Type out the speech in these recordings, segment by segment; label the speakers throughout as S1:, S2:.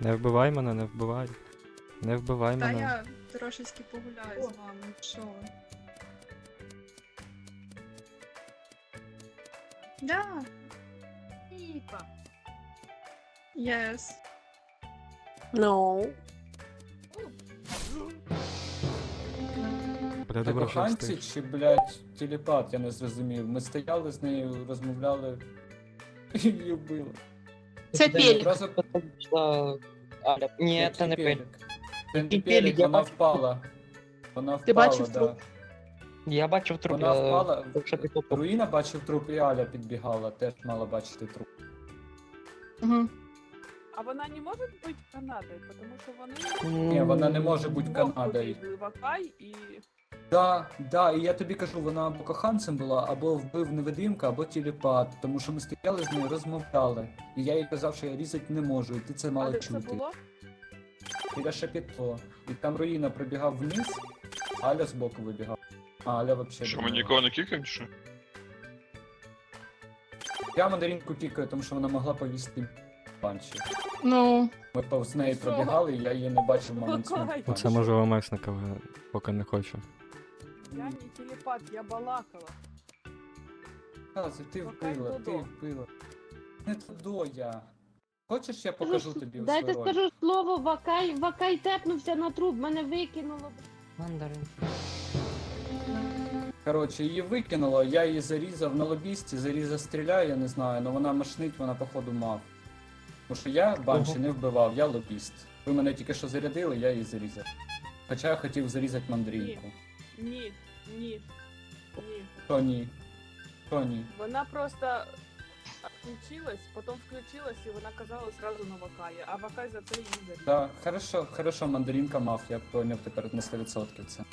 S1: Не вбивай мене, не вбивай. Не вбивай
S2: Та
S1: мене.
S2: я трошечки погуляю з вами, що ви. Да,
S3: Типа.
S2: yes.
S4: No.
S1: Бля,
S5: Ти
S1: добре, що
S5: коханці
S1: встиг.
S5: чи, блядь, телепат, я не зрозумів. Ми стояли з нею, розмовляли і її вбили.
S4: Це пелік.
S5: Одразу
S6: Пішла Аля. Ні,
S5: як
S6: це не пель.
S5: Це не
S6: І
S5: пелік,
S6: пелік, я
S5: вона
S6: бачу.
S5: впала. Вона впала,
S4: Ти бачив
S5: да.
S4: труп?
S6: Я бачив труп.
S5: Вона впала.
S6: Якщо пішло по...
S5: Руїна бачив труп, і Аля підбігала, теж мала бачити труп.
S4: Угу.
S3: А вона не може бути Канадою, тому що вони
S5: Ні, вона не може бути
S3: вдвох
S5: Канадою.
S3: побігли в Акай і...
S5: Да, і я тобі кажу, вона або коханцем була, або вбив невидимка, або телепат, тому що ми стояли з нею, розмовляли. І я їй казав, що я різати не можу, і ти це
S3: А
S5: мала
S3: де це
S5: чути.
S3: було?
S5: Біля шапіто. І там руїна пробігав вниз, Аля збоку вибігав. А Аля вообще.
S7: Що, ми
S5: думала.
S7: нікого не кікаємо, чи що?
S5: Я мандаринку кікаю, тому що вона могла повісти панчі.
S4: Ну,
S5: Ми повз неї
S3: Що?
S5: пробігали, і я її не бачив в момент
S3: Окей.
S5: смерті.
S1: Оце може ОМСника, поки не хочу.
S3: Я не телепат, я балакала.
S5: Кази, ти
S3: Покай
S5: вбила, ти
S3: Додо.
S5: вбила. Не Додо я. Хочеш, я покажу тобі
S8: Дайте
S5: свою роль?
S8: скажу слово, Вакай тепнувся на труп, мене викинуло.
S6: Мандарин.
S5: Коротше, її викинуло, я її зарізав на лобісті, зарізав стріляю, я не знаю, але вона машнить, вона походу мав. Тому що я банші
S6: Ого.
S5: не вбивав, я лобіст. Ви мене тільки що зарядили, я її зарізав. Хоча я хотів зарізати мандрінку.
S3: Ні, ні, ні.
S5: Що ні? Що ні?
S3: Вона просто включилась, потім включилась і вона казала сразу на Вакаї, а Вакай за це її зарізав.
S5: Да, хорошо, мандаринка мав, я поняв тепер на 100% це.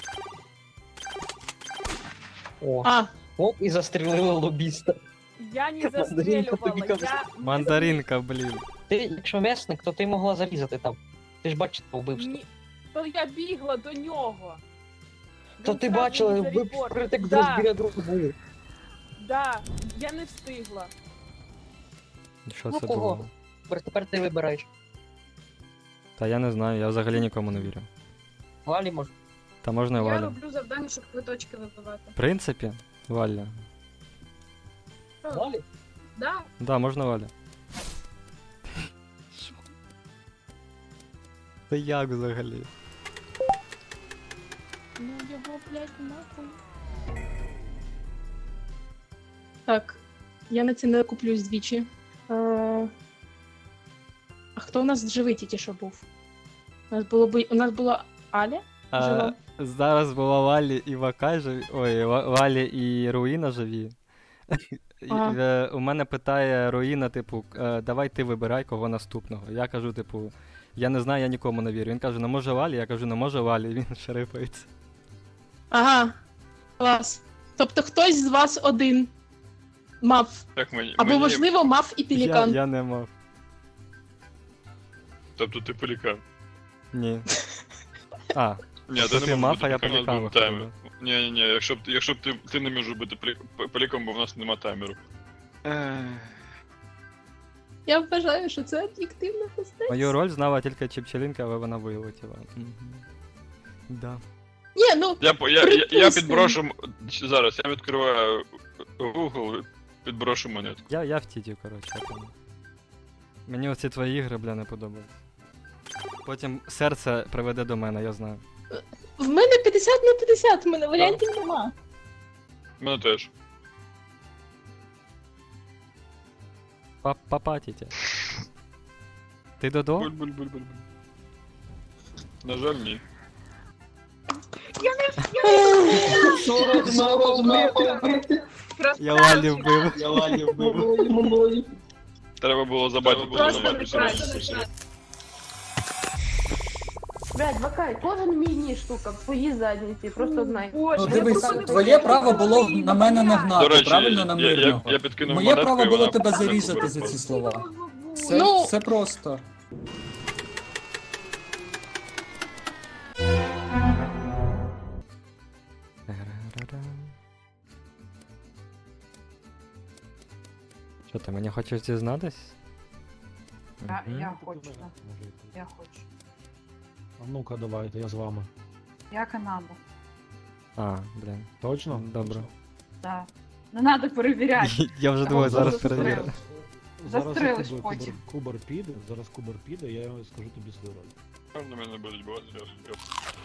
S6: О,
S4: а,
S6: оп, і застрілили лобіста.
S3: Я не
S6: Мандаринка тобі
S3: застрелювала,
S6: казала.
S3: я...
S1: Мандаринка, блін.
S6: Ти, якщо месник, то ти могла зарізати там. Ти ж бачила вбивство.
S3: Ні, то я бігла до нього.
S6: То
S3: Він
S6: ти
S3: зразу
S6: бачила,
S3: мені
S6: ви
S3: зарепортив.
S6: притик
S3: Да,
S6: друг біля друга були.
S3: да, я не встигла.
S1: Що
S6: Ну,
S1: це
S6: кого?
S1: було?
S6: Тепер ти вибираєш.
S1: Та я не знаю, я взагалі нікому не вірю.
S6: Валі може.
S1: Та можна і
S2: Я
S1: Валя.
S2: роблю завдання, щоб квиточки вибивати.
S1: В принципі, Валя.
S6: Валі?
S2: Да,
S1: Да, можна Валя. Це як взагалі?
S8: Ну його, блядь, нахуй.
S4: так. Я на це не куплюсь двічі. А хто у нас живий тільки що був? У нас була Аля? Жива.
S1: Зараз була Валі і Вакай живі. Ой, Валі і Руїна живі.
S4: Ага.
S1: У мене питає Руїна, типу, давай ти вибирай кого наступного. Я кажу, типу, я не знаю, я нікому не вірю. Він каже, не може Валі, я кажу, не може Валі, і він шерифається.
S4: Ага. Клас. Тобто хтось з вас один мав.
S7: Так мені.
S4: Або, можливо, мав і пелікан.
S1: Я не мав.
S7: Тобто ти пелікан.
S1: Ні. А,
S7: Ні,
S1: то ти
S7: не
S1: мав,
S7: можеш
S1: а я
S7: бути пеліканом,
S1: пелікан
S7: у нас був
S1: виходив.
S7: таймер. Ні, якщо б ти не можеш бути пеліком, бо в нас нема таймеру.
S4: Я вважаю, що це об'єктивна постать.
S1: Мою роль знала тільки Чіпчелінка, але вона вилетіла. Мгм. Да.
S4: Ні, ну,
S7: Я
S4: Припустимо.
S7: підброшу... Зараз, я відкриваю Google, підброшу монетку.
S1: Я в тіті, коротше, я понял. Мені оці твої ігри, бля, не подобаються. Потім серце приведе до мене, я знаю.
S4: в мене 50 на 50, в мене варіантів нема.
S7: Мене теж.
S1: Папа тітя. Ти Додо?
S7: Буль-буль-буль-буль. На жаль, ні.
S1: Я Валі вбив.
S7: Треба було забати, було
S2: Просто
S7: забати.
S2: прекрасно.
S8: Блядь, Вакай, кожен мій ніж, штука, в твоїй задніці, просто знай.
S2: Боже,
S5: Ну
S2: я
S5: дивись,
S2: просто
S5: твоє право було на мене
S7: До
S5: нагнати,
S7: речі,
S5: правильно, на мирного?
S7: я підкинув
S5: Моє
S7: монетку,
S5: право
S7: і
S5: було
S7: вона
S5: тебе
S7: просто
S5: зарізати
S7: вибила.
S5: за ці слова.
S4: Ну-
S5: Все просто.
S1: Що ти мені хочеш дізнатись?
S9: Я
S1: Мгм.
S9: хочу. Я хочу.
S10: А ну-ка, давайте, я з вами.
S9: Я Канаду.
S1: А, блін.
S10: Точно?
S1: Добре.
S9: Да. Не треба перевіряти.
S1: Я вже
S9: Та
S1: думаю,
S9: от
S1: зараз
S9: застрелив.
S1: перевірю.
S9: Застрелиш
S10: Кубер-
S9: потім.
S10: Кубер піде, зараз Кубер піде, я скажу тобі свою роль.
S7: На мене будуть бувати зря.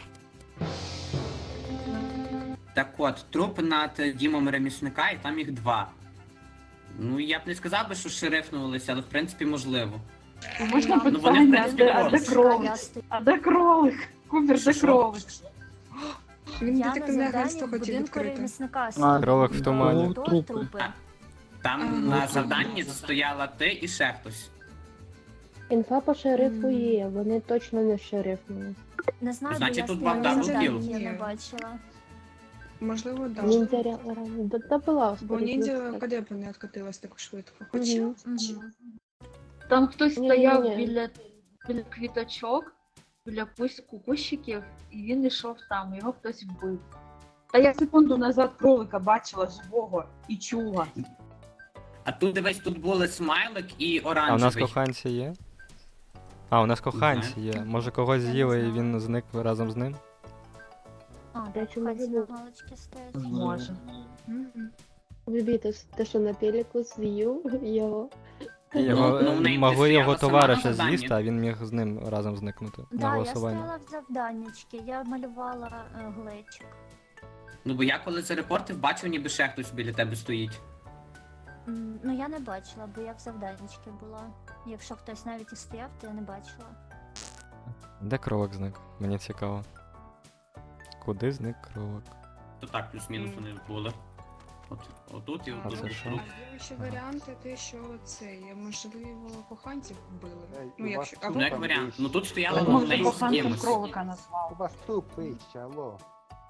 S11: Так от, труп над Дімом ремісника, і там їх 2. Ну, я б не сказав би, що шерифнулися, але в принципі можливо.
S9: Можна
S11: Ну, вони, в
S9: питання,
S11: принципі,
S9: а де кролик? А де кролик? Кубер, де кролик?
S2: Він
S12: Я на
S2: детективне
S12: завданні
S2: агентство
S12: в
S2: хотів
S12: будинку
S2: відкрити.
S12: ремісника
S1: Кролик в тумані.
S12: трупи.
S11: Там на завданні стояла ти і ще хтось.
S8: Інфа по шерифу є, вони точно не шерифнули.
S12: Не знаю, бо
S11: Значить,
S12: я
S11: тут
S12: стояла
S11: вам
S12: на
S11: дабл
S12: завданні,
S11: кіл.
S12: я не бачила.
S2: Можливо, да.
S8: Ніндзя да була.
S2: Бо ніндзя куди б не відкатилась так швидко. Хоча
S8: Мгм.
S4: Там хтось
S8: Ні,
S4: стояв
S8: ні, ні.
S4: біля квіточок, біля кущиків, і він йшов там, його хтось вбив.
S9: Та я секунду назад кролика бачила живого і чула.
S11: А тут дивись, тут були смайлик і
S1: А у нас
S11: оранжевий.
S1: коханці є? А, у нас коханці є. Може когось
S12: Я не
S1: з'їли і
S12: знаю.
S1: він зник разом з ним?
S12: А,
S8: Я
S12: так,
S8: чому
S12: хаті
S8: не
S12: на
S8: був?
S12: галочці стоять.
S9: Може.
S12: Мгм.
S8: Вибіти, те, що на пеліку з'їв його.
S1: Його,
S11: ну, в неї
S1: могли
S11: стояла
S1: його
S11: сама на
S1: товариша
S11: завданні.
S1: з'їсти, а він міг з ним разом зникнути на
S12: Да, я
S1: голосування.
S12: стояла в завданнячки, я малювала глечик.
S11: Ну бо я коли зарепортив, бачив, ніби ще хтось біля тебе стоїть.
S12: Ну я не бачила, бо я в завданнячки була. Якщо хтось навіть і стояв, то я не бачила.
S1: Де кролик зник? Мені цікаво. Куди зник кролик?
S11: То так, плюс-мінус вони були. Отут і
S1: А
S11: отут.
S1: це що?
S2: є ще варіанти, те, що це, можливо, коханців вбили.
S13: Ей,
S2: Ну,
S13: у
S2: якщо
S13: вас
S11: Ну як
S13: Там
S11: варіант.
S13: вище.
S11: Ну тут стояла
S9: Може,
S11: неї з
S9: коханцем
S11: кимось.
S9: кролика
S13: У
S9: назвав.
S13: вас труп вище, алло.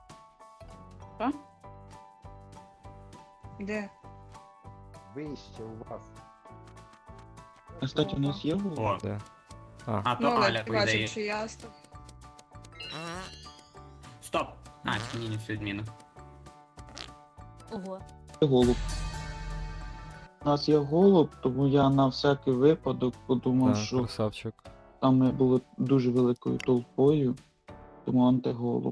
S2: Де?
S13: Вище у вас.
S10: Кстати, у нас є
S11: О,
S1: Де?
S11: а то
S2: Ну, але
S11: Аля,
S2: ти
S11: по ідеї.
S2: бачив, що я став.
S11: Стоп! А, ні, не все відміна.
S12: Ого.
S10: голуб. У нас є голуб, тому я на всякий випадок подумав,
S1: Так,
S10: що
S1: красавчик.
S10: там ми були дуже великою толпою, тому антиголуб.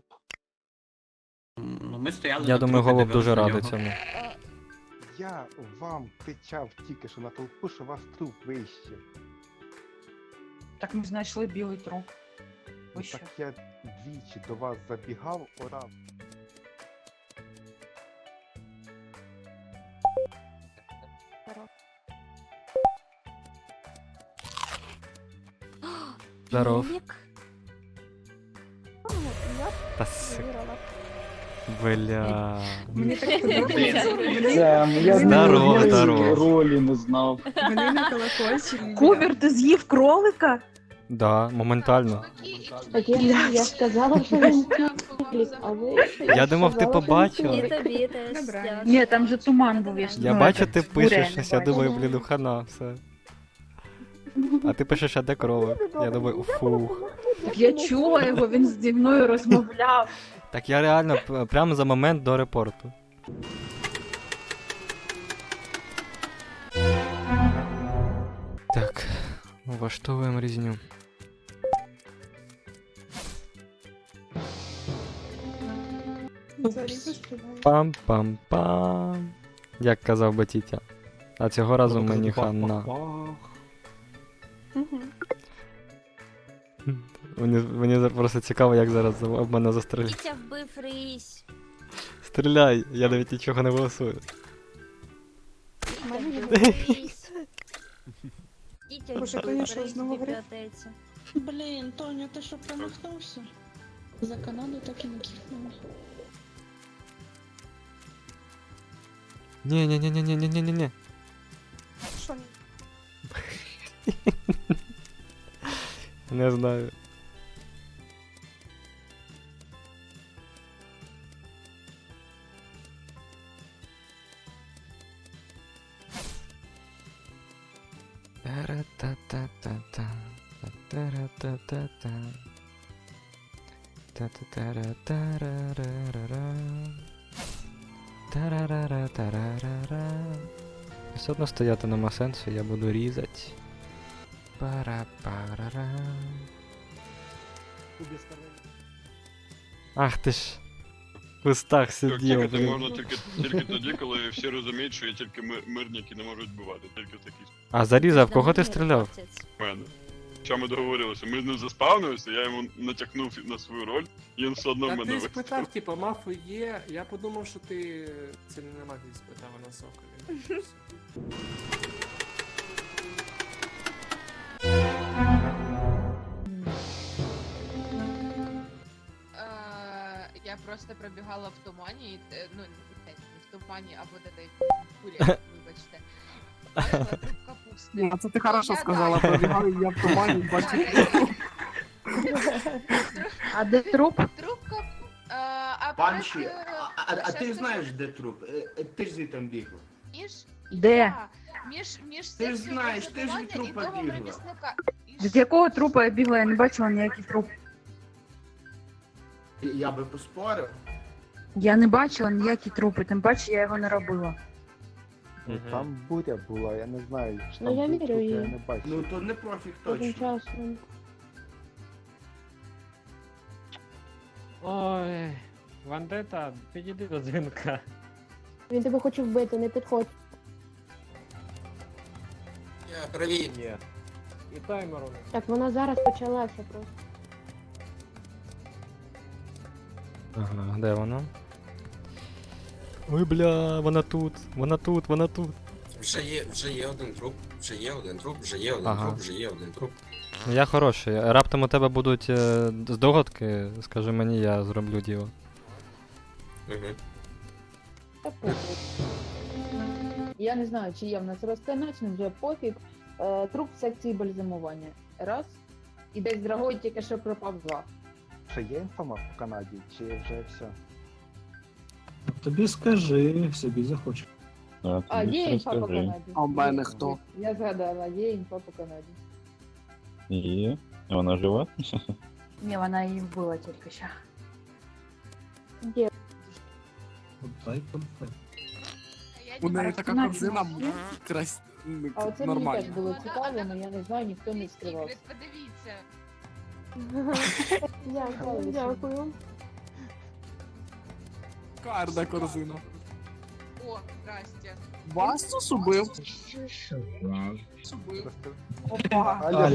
S11: Ну ми стояли
S1: Я
S11: на
S1: думаю,
S11: трупі,
S1: голуб дуже
S11: дивились на
S1: радий
S11: нього.
S1: цьому.
S13: Я вам кричав тільки що на толпу, що у вас труп вище.
S9: Так ми знайшли білий труп.
S13: Ну,
S9: Вище.
S13: так я двічі до вас забігав, орав.
S1: Здоров.
S12: Лілік? Я
S1: Та с...
S12: виграла.
S1: Бля.
S2: Мені так подобається.
S10: я
S1: Здорово, здорово.
S10: ролі не знав.
S2: Вони на колокольчик.
S9: Кубер, ти з'їв кролика?
S1: Да, моментально.
S8: Так я сказала, що він пелік, а ви...
S1: Я думав, ти
S8: сказала, що він
S1: побачила.
S12: І
S8: пелік.
S12: тобі теж.
S2: Добре.
S12: дякую.
S9: Ні, там же туман був. Я, ж-
S1: Я
S9: ну,
S1: бачу,
S9: этот,
S1: ти
S9: буря,
S1: пишеш
S9: не
S1: щось, я
S9: бачу.
S1: думаю, блін, ну хана, все. А ти пишеш, а де кролик? Я думаю, фух.
S4: Так я чула його, він зі мною розмовляв.
S1: Так я реально прямо за момент до репорту. Так, влаштовуємо різню. Пам-пам-пам. Як казав би тітя. А цього разу мені хана. Мені просто цікаво, як зараз об мене застрелять.
S12: Вітя вбив рись.
S1: Стріляй, я навіть нічого не голосую.
S12: Вітя вбив рись. Вітя
S2: Боже,
S12: вбив
S2: Тоня, що,
S12: рись в
S2: знову гриф?
S12: бібліотеці.
S4: Блін, Тоня, ти що промахнувся? За Канаду так і не кихнула.
S1: Ні-ні-ні-ні-ні-ні-ні-ні.
S12: Що?
S1: Не знаю. Та-ра-та-та-та-та. Та-ра-та-та-та. Та-та-та-ра-та-ра-ра-ра-ра. Та-ра-ра-ра-та-ра-ра-ра. Все одно стояти нема сенсу, я буду різати. Пара-пара-ра. Ах ти ж. В кустах сидів,
S7: Тікати
S1: блін.
S7: можна тільки тоді, коли всі розуміють, що є тільки мирні, які не можуть вбивати. Тільки в такій
S1: А зарізав, кого ти стріляв?
S7: мене. Що ми договорилися? Ми з ним заспавнилися, я йому натякнув на свою роль, і він все одно
S14: Та
S7: мене
S14: ти
S7: вистрілив.
S14: спитав, типу, мафи є, я подумав, що ти це не магії спитав, а на соколі.
S2: Я просто пробігала в тумані, і, ну, не в тумані, або де курі, вибачте. Бачила труп капусти.
S14: А це ти хорошо
S2: Я
S14: сказала,
S2: далі.
S14: пробігаю я в тумані, бачу.
S4: А де труп?
S2: Труп а
S15: Банші,
S2: просто,
S15: а
S2: щас
S15: ти
S2: скажу.
S15: знаєш, де труп? Ти ж звідти бігла.
S4: Де?
S2: Я. Між
S15: Ти ж
S2: секцією
S15: знаєш, ти ж від
S2: розбивання і
S15: трупа
S2: домом
S15: бігла.
S2: ремісника.
S4: З якого трупа я бігла, я не бачила ніякий труп.
S15: Я би поспорив.
S4: Я не бачила ніякі трупи, тим паче я його не робила.
S13: Ну, там буря була, я не знаю, що
S8: Ну,
S13: там
S8: я
S13: був
S8: вірю
S13: труп,
S8: їй.
S13: я не бачив.
S15: Ну то не профік
S8: Тим
S15: точно.
S8: часом.
S16: Ой, Вандета, підійди до дзвінка.
S8: Він тебе хоче вбити, не підходь.
S15: Привіт.
S16: Є. І таймеру.
S8: Так, вона зараз почалася просто.
S1: Ага, де вона? Ой, бля, вона тут, вона тут, вона тут.
S15: Вже є один труп, вже є один труп, вже є один
S1: Ага.
S15: труп, вже є один труп.
S1: Ну, я хороший. Раптом у тебе будуть здогадки, скажи мені, я зроблю діло.
S15: Угу.
S9: Та пофіг. Я не знаю, чи є в нас розканачний, вже пофіг. Труп в секції бальзамування. Раз. І десь Драгой тільки що пропав два.
S13: Ще є інформа в Канаді, чи вже все?
S5: Тобі скажи, собі захочеш.
S9: А, є інфа по Канаді.
S14: А в мене хто?
S9: Я згадала, є інфа по Канаді.
S10: Є. Вона жива?
S4: Ні, вона її вбила тільки що.
S8: Де?
S5: Дай конфет.
S14: У неї така корзина
S9: А оце мені теж було цікаво, але я не знаю, ніхто не скривався.
S2: Подивіться.
S8: Дякую, дякую.
S14: Карна корзина.
S2: О, здрасте.
S14: Бастус убив.
S9: Опа.
S13: Аля,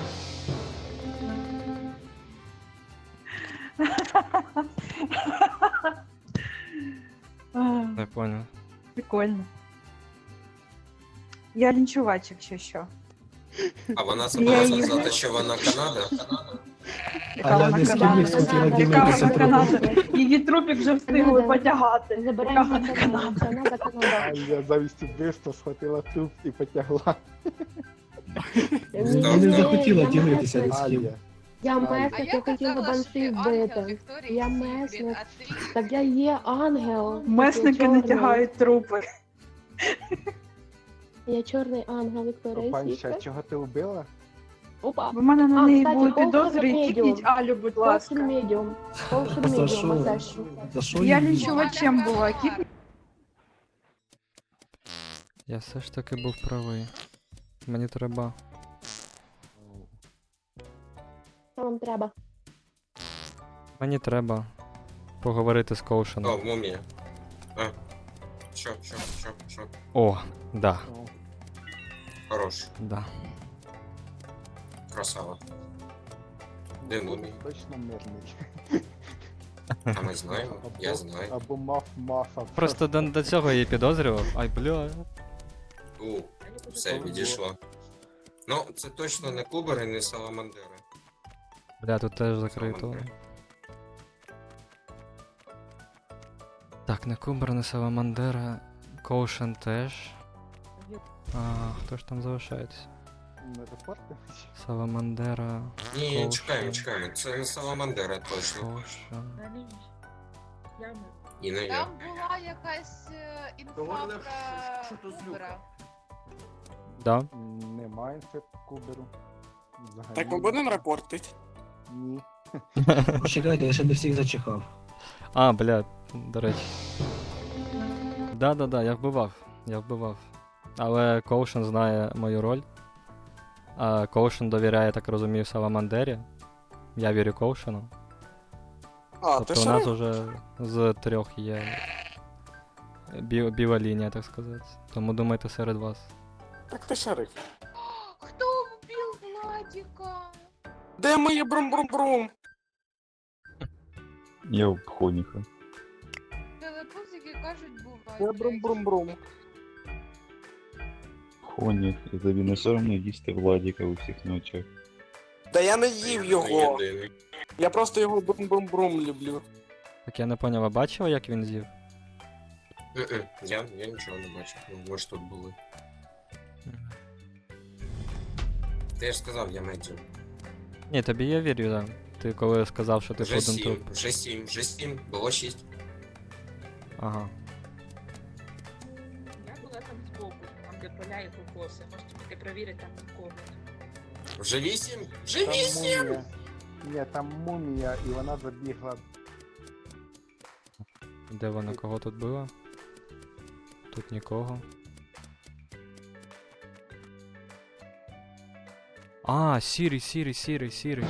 S1: Не понял.
S4: Прикольно. Я лінчувач, якщо що.
S15: А вона
S4: забула сказати,
S15: що вона Канада?
S4: Яка вона Канада? Яка вона Канада? Її трупік вже встигли потягати. Яка
S8: Забираємо
S4: вона Канада?
S8: Канада.
S13: Аля замість вбивства схватила труп і потягла.
S8: Я
S5: не захотіла ділитися ні з ким.
S13: Аля.
S8: Я
S2: А
S8: месник,
S2: я
S8: я хотіла
S2: казала, що ти
S8: банші
S2: ангел
S8: вбити.
S2: Вікторії
S8: Я
S2: Сікрет,
S8: месник.
S2: а ти...
S8: Так я є ангел.
S4: Месники не тягають трупи.
S8: Я чорний ангел Вікторії
S13: Панча,
S8: Сікрет.
S13: чого ти вбила?
S8: Опа.
S4: У мене на
S8: А,
S4: неї
S8: кстати,
S4: були
S8: Coulson
S4: підозри,
S8: Medium.
S4: кікніть Алю, будь
S8: Коушен
S4: ласка.
S8: медіум. Коушен
S5: За
S8: медіум,
S5: що?
S8: а це що?
S5: За що
S4: Я
S5: її?
S4: лінчувачем була, кікніть.
S1: Я все ж таки був правий. Мені треба.
S8: Що вам треба?
S1: Мені треба поговорити з Коушеном.
S15: мумія. Що?
S1: О, да,
S15: Хорош,
S1: да.
S15: красава. Де мумія?
S13: Точно мирний.
S15: А ми знаємо,
S13: Або мафа.
S1: Просто до цього я її підозрював. Ай, бля.
S15: Все, відійшло. Ну, це точно не Кубер і не Саламандера.
S1: Бля, тут теж закрито. Так, не Кубер, не Саламандера. Коушен теж. А, хто ж там залишається?
S13: Не репорти?
S1: Саламандера.
S15: Ні,
S1: Коушен,
S15: чекаємо. Це не Саламандера точно.
S1: Коушен.
S15: І не я.
S2: Там була якась інфа
S15: Говорили,
S2: про
S15: що то з
S2: Кубера.
S1: Да.
S13: Немає інфи Куберу. Взагалі.
S14: Так ми будемо репортити?
S13: Ні.
S5: Почекайте, я ще не всіх зачихав.
S1: А, бля, до речі. Да, я вбивав. Але Коушен знає мою роль. Коушен довіряє, так розумію, Саламандері. Я вірю Коушену. Тобто у нас уже з 3 є біла лінія, так сказати. Тому думайте серед вас.
S14: Так ти шериф.
S2: Хто вбив Владіка?
S14: Де моє брум-брум-брум?
S10: Я в Хоніха.
S2: Телепузики кажуть, буває.
S14: Де брум-брум-брум?
S10: Хоніх, і тобі не соромно їсти Владіка у всіх на очах.
S14: Да я не їв його.
S15: Єдиний.
S14: Я просто його брум-брум-брум люблю.
S1: Так я не поняв, ви бачили, як він з'їв?
S15: Я нічого не бачив. Ну, ви ж тут були. Ти ж сказав, я медіум.
S1: Ні, тобі я вірю, так. Ти коли сказав, що ти
S15: Вже
S1: один
S15: 7,
S1: труп.
S15: вже 7, було 6.
S1: Ага.
S3: Я була там збоку, там де поля і кокоси. Можете піти перевірити там нікого.
S15: Вже 8? Вже
S13: Там
S15: 8!
S13: мумія. Ні, там мумія, і вона забігла.
S1: Де вона, кого тут було? Тут нікого. Сірий.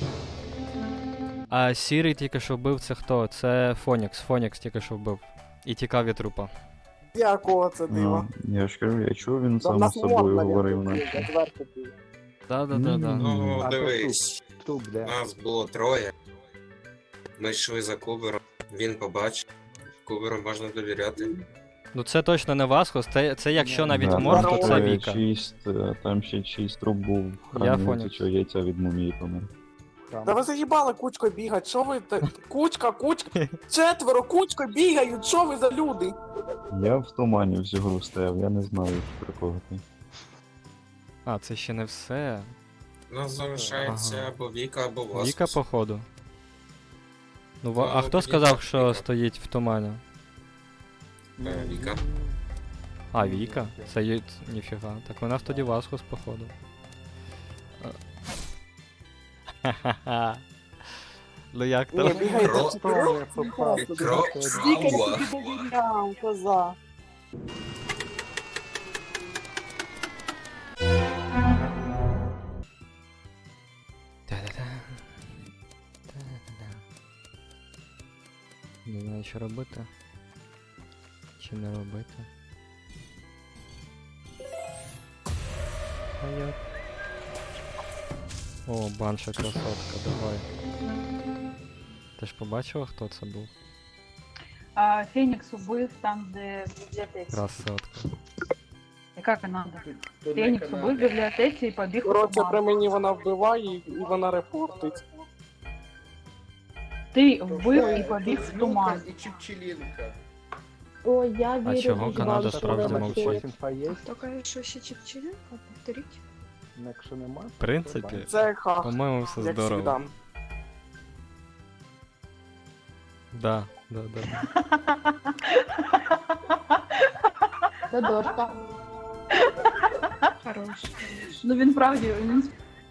S1: А сірий тільки що вбив, це хто? Це Фонікс. Фонікс тільки що вбив. І тікав від трупа.
S14: Якого це диво?
S10: Я ж кажу, я чув, він
S14: Там
S10: сам
S14: нас
S10: з собою
S14: можна
S10: говорив
S14: не
S10: наче.
S14: відверто ти.
S1: Да.
S15: Ну,
S13: А то
S15: дивись.
S13: Туп, де?
S15: Нас було 3. Ми йшли за Кубером. Він побачив. Куберу можна довіряти.
S1: Ну це точно не Васхос, це якщо навіть
S10: Да,
S1: морг,
S10: там
S1: то це
S10: ще
S1: Віка.
S10: Там ще чийсь труп був в
S1: Я
S10: храмі,
S1: Фонікс.
S10: що яйця від мумії помер.
S14: Да ви заїбали кучкою бігать, що ви та... Кучка, 4 кучкою бігають, що ви за люди?
S10: Я в тумані всю гру стояв, я не знаю про кого ти.
S1: А, це ще не все.
S15: У нас залишається
S1: Ага.
S15: або Віка, або Васкус.
S1: Віка, походу. Ну,
S15: Ну,
S1: а хто
S15: тоді
S1: сказав,
S15: так,
S1: що
S15: Віка.
S1: стоїть в тумані?
S15: Віка.
S1: А, Віка? Це є... Ніфіга. Так у нас тоді Васхос, походу. Ха-ха-ха. Ну як
S14: Ні,
S1: там?
S14: бігайте
S15: Кро-
S14: 4. Скільки я
S15: Крова.
S14: тобі довіряв, коза.
S1: Та-да-да. Та-да-да. Не знаю, що робити. Чи не робити. А я... О, банша красотка, давай. Ти ж побачила, хто це був?
S4: Фенікс убив там, де в бібліотеці.
S1: Красотка.
S4: Яка Канада? Фенікс убив в бібліотеці і побіг у
S14: Коротше,
S4: туман.
S14: при мені вона вбиває і вона репортить.
S4: Ти вбив і побіг в туман.
S8: Ой, я вірю.
S1: А чого
S8: в
S1: Канада
S8: Бабу,
S1: справді
S8: що
S1: мовчить?
S8: вона
S13: Інфа є?
S8: Хто каже, що ще Чіпчилінка? Повторіть.
S13: Ну, якщо нема,
S1: В принципі,
S14: Це хах,
S1: по-моєму, все
S14: як
S1: здорово.
S14: завжди.
S1: Да.
S8: Це дошка. Хорош.
S4: Ну він правді, він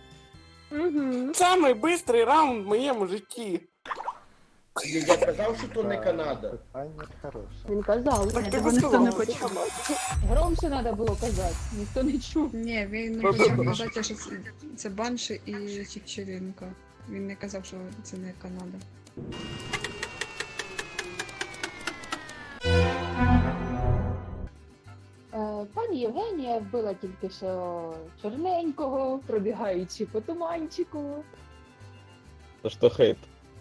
S14: Самий бистрий раунд в моєму житті.
S13: Я казав, що то не Канада. Питання хороше.
S8: Він казав.
S14: Так ти
S4: Його ніхто не
S14: висказав.
S4: почув.
S9: Громче треба було казати, ніхто не чув.
S8: Ні, він не хотів казати, що це Банші і Чіпчилінка. Він не казав, що це не Канада.
S9: Пані Євгенія вбила тільки що чорненького, пробігаючи по туманчику.
S10: Та що хейт?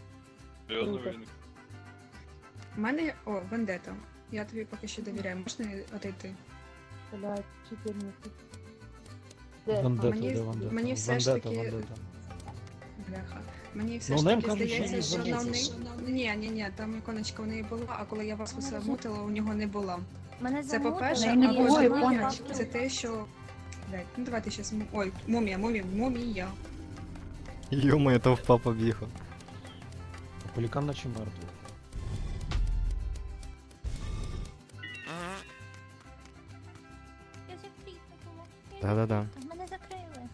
S8: У мене, Вендета. Я тобі поки що довіряю. Можна отойти?
S9: Блядь, 14.
S8: Мені все ж таки... Бляха. Мені все ж таки здається, що на Ні, там іконочка у неї була, а коли я вас усе мутила, у нього не було.
S12: Мене
S8: Це по-перше,
S4: замутили.
S8: а
S4: Ой,
S8: по-друге,
S4: іконочки.
S8: це те, що... Блядь, ну давайте щас... Ой, мумія.
S1: Йо-моє, товпа побігла.
S16: Полікан наче мертвий.
S12: Я закрита була.
S1: Да-да-да.
S12: Мене закрили.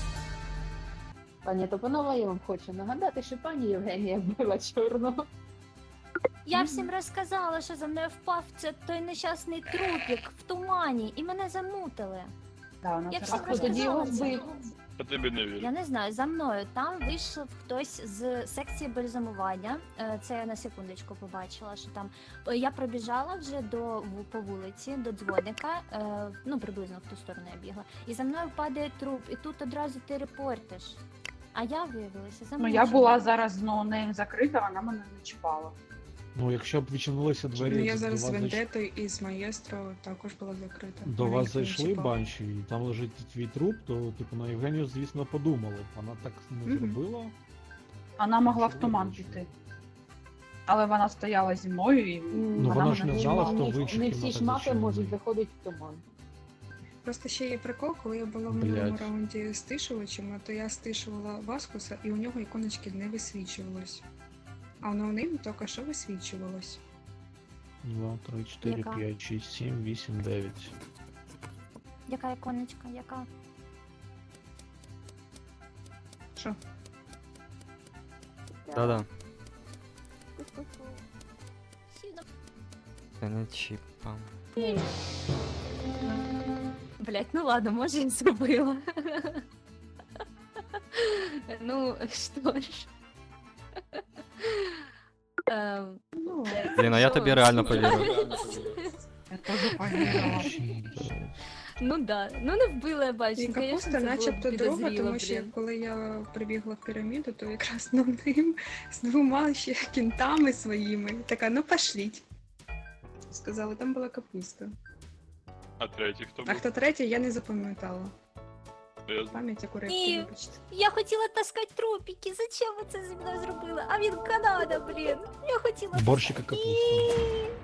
S9: Пані Топанова, я вам хочу нагадати, що пані Євгенія вбила чорного.
S12: Я всім розказала, що за мною впав той нещасний трупік в тумані, і мене замутили.
S4: Да, вона
S12: Я
S4: це
S12: всім
S9: А хто тоді його
S12: розказала це.
S9: вбив?
S7: Я тобі не вірю.
S12: Я не знаю, за мною там вийшов хтось з секції бальзамування. Це я на секундочку побачила, що там я пробіжала вже по вулиці до дзвоника, ну приблизно в ту сторону я бігла. І за мною падає труп, і тут одразу ти репортиш. А я виявилася
S3: Ну
S12: замовчена.
S3: я була зараз з ноунейм закрита, вона мене не чіпала.
S17: Ну, якщо б відчинилися двері,
S8: Ну, я
S17: до
S8: зараз з
S17: вас
S8: Вендетою і з Маєстро також була закрита.
S17: До
S8: Вона
S17: вас
S8: їх не
S17: зайшли
S8: чіпала.
S17: банші, і там лежить твій труп, то типу на Євгенію, звісно, подумали. Вона так не
S8: Мгм.
S17: зробила.
S3: Вона могла в туман піти. Але вона стояла зі мною і
S17: вона ж не
S3: мене
S17: знала,
S3: чіпала.
S17: хто в інших
S9: Не всі
S17: кімнатах
S9: шмаки
S17: зачинений.
S9: можуть заходити в туман.
S8: Просто ще є прикол, коли я була в
S17: Блядь.
S8: минулому раунді стишувачем, то я стишувала Васкуса, і у нього іконочки не висвічувалось. А у ноунейм тільки що висвічувалось.
S17: 2, 3, 4,
S12: Яка?
S17: 5, 6, 7, 8, 9.
S12: Яка іконочка, яка?
S8: Що?
S1: Да-да.
S12: Сіно.
S1: Це не чіпа.
S12: Блять, ну ладно, може і зробила. Ну, що ж.
S1: Блін, а я тобі реально повірив.
S3: Я теж повірила.
S12: Ну да, ну не вбила я бачу.
S8: І капуста начебто друга, тому що коли я прибігла в піраміду, то якраз ним з двома ще кінтами своїми. Така, ну пошліть. Сказали, там була капуста.
S7: А третій хто
S8: А
S7: був?
S8: хто третій, я не запам'ятала.
S7: Я...
S8: Пам'ять як у рибки,
S12: Ні.
S8: вибачте.
S12: Я хотіла таскати трупики, зачем ви це зі мною зробили? А він Канада, блін. Я хотіла.
S17: Борщика капуста.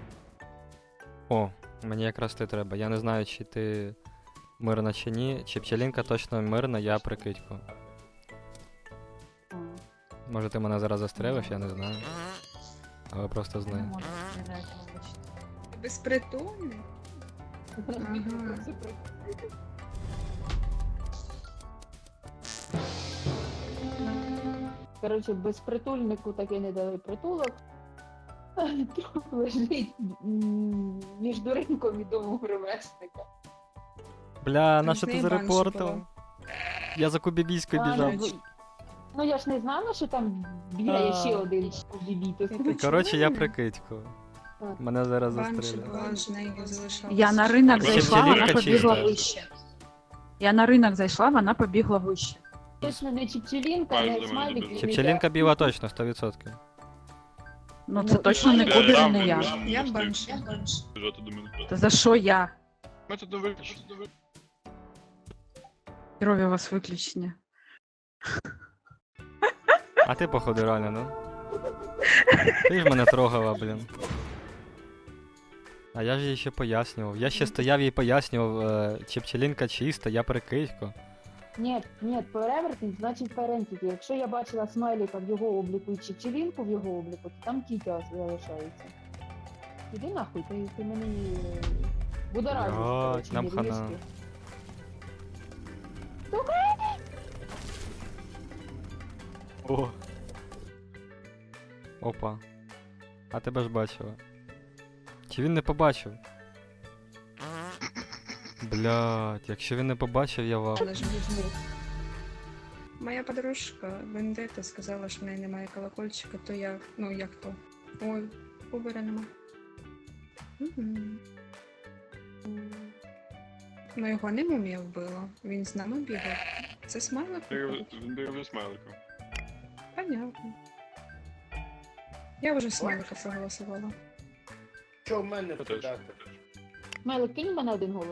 S1: О, мені якраз ти треба. Я не знаю, чи ти мирна чи ні. Чи пчелінка точно мирна, я прикидьку. Може ти мене зараз застрелиш, я не знаю. Але просто знаю.
S8: Безпритульний? Ага.
S9: Коротше, безпритульнику таки не дали притулок. Труп лежить між ринком і домом ремесника.
S1: Бля, на
S8: з
S1: що ти
S8: неї банші
S1: зарепортив?
S8: була.
S1: Я за Кубібійською
S9: Ладно,
S1: біжав.
S9: Ну я ж не знала, що там бігає ще один бібітус.
S1: Коротше, я прикидьку. Мене зараз
S8: Банші
S1: застрелять.
S8: була, з нею залишалась.
S3: Я на ринок
S1: Ще
S3: зайшла,
S1: пчелінка
S3: вона побігла
S1: чиста.
S3: вище. Я на ринок зайшла, вона побігла вище.
S9: Точно не Чіпчелінка,
S7: Майже
S9: не
S7: до мене
S9: смайлик.
S7: добіжала.
S9: і не
S1: Чепчелінка біла точно, 100%.
S3: Ну це точно не
S7: Я
S3: Кубер і
S7: рам,
S3: не я.
S7: рам,
S8: Я
S7: не
S8: банші.
S7: встиг біжати до мене.
S3: Та за що я?
S7: Метод не виключно.
S3: Крові у вас виключення.
S1: А ти, походу, реально, ну? Ти ж мене трогала, блін. А я ж їй ще пояснював. Я ще стояв і пояснював, Чепчелінка чиста, я прикидьку.
S9: Ні, перевертень, значить перентіті. Якщо я бачила смайлика в його обліку і Чіпчелінку в його обліку, то там тітя залишається. Іди нахуй, ти мені будоражиш.
S1: Блядь,
S9: коротше,
S1: нам
S9: нервішки.
S1: хана. О. Опа. А тебе ж бачила. Чи він не побачив? Блядь, якщо він не побачив, я вав.
S8: Але ж моя подружка Вендета сказала, що в неї немає колокольчика, то я, ну як то? Ой, Кубера нема. Мгм. Ну його не мумія вбила, він з нами бігав. Це смайлик? виходить?
S7: Він бив зі смайликом.
S8: Понятно. Я вже смайлика проголосувала.
S13: Що в мене
S7: питати?
S9: Смайлик, кинь в мене один голос.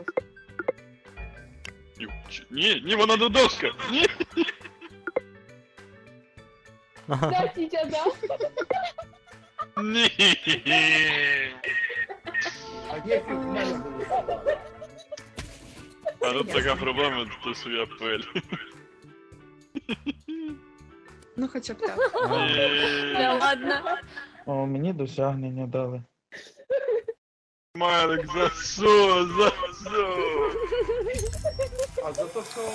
S7: Ні, вона до доска! Ні!
S9: Да, тітя, да.
S7: Ні!
S13: А як в мене було?
S7: А тут така проблема, то своя пель.
S8: Ну хоча б так.
S12: Да ладно.
S10: О, мені досягнення дали.
S7: Смайлик, за що? За що?
S13: А за те, що...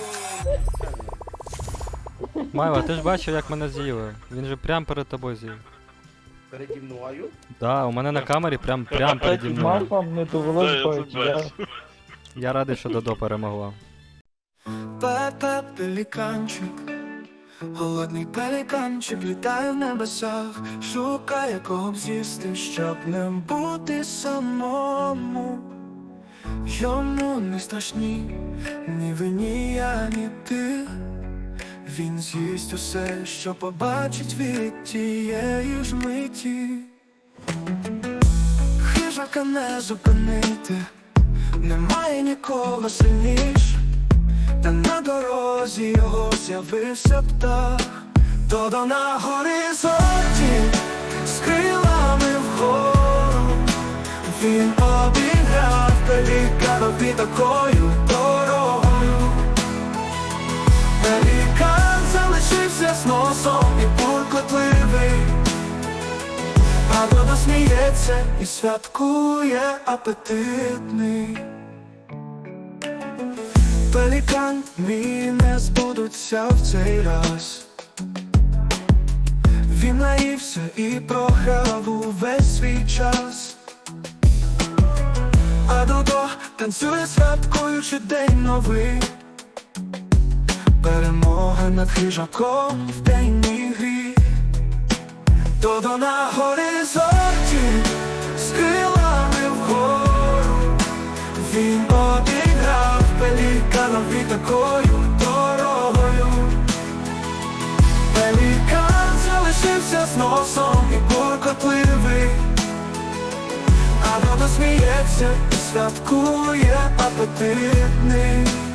S1: Майва, ти ж бачив, як мене з'їли. Він же прям перед тобою з'їв.
S13: Переді мною?
S1: Да, у мене на камері прям переді мною.
S10: Мавпам не довелось
S7: Да, я це
S10: бачити.
S7: бачу.
S1: Я радий, що Додо перемогла.
S18: Пепе пеліканчик, голодний пеліканчик літає в небесах, шукає кого б з'їсти, щоб не бути самому. Йому не страшні ні ви, ні я, ні ти. Він з'їсть усе, що побачить від тієї ж миті. Хижака не зупинити, немає нікого сильніш. Та на дорозі його з'явився птах, Додо на горизонті з крилами вгору. Він обіграв пеліканові такою дорогою. Пелікан залишився з носом і буркотливий, а Додо сміється і святкує апетитний. Пелікан мій не збудуться в цей раз. Він наївся і програв увесь свій час. А Додо танцює, святкуючи день новий. Перемога над хижаком в денній грі. Додо на горизонті з крилами вгору. Він обіграв пеліканові такою дорогою. Пелікан залишився з носом і буркотливий, а Додо сміється і святкує апетитний.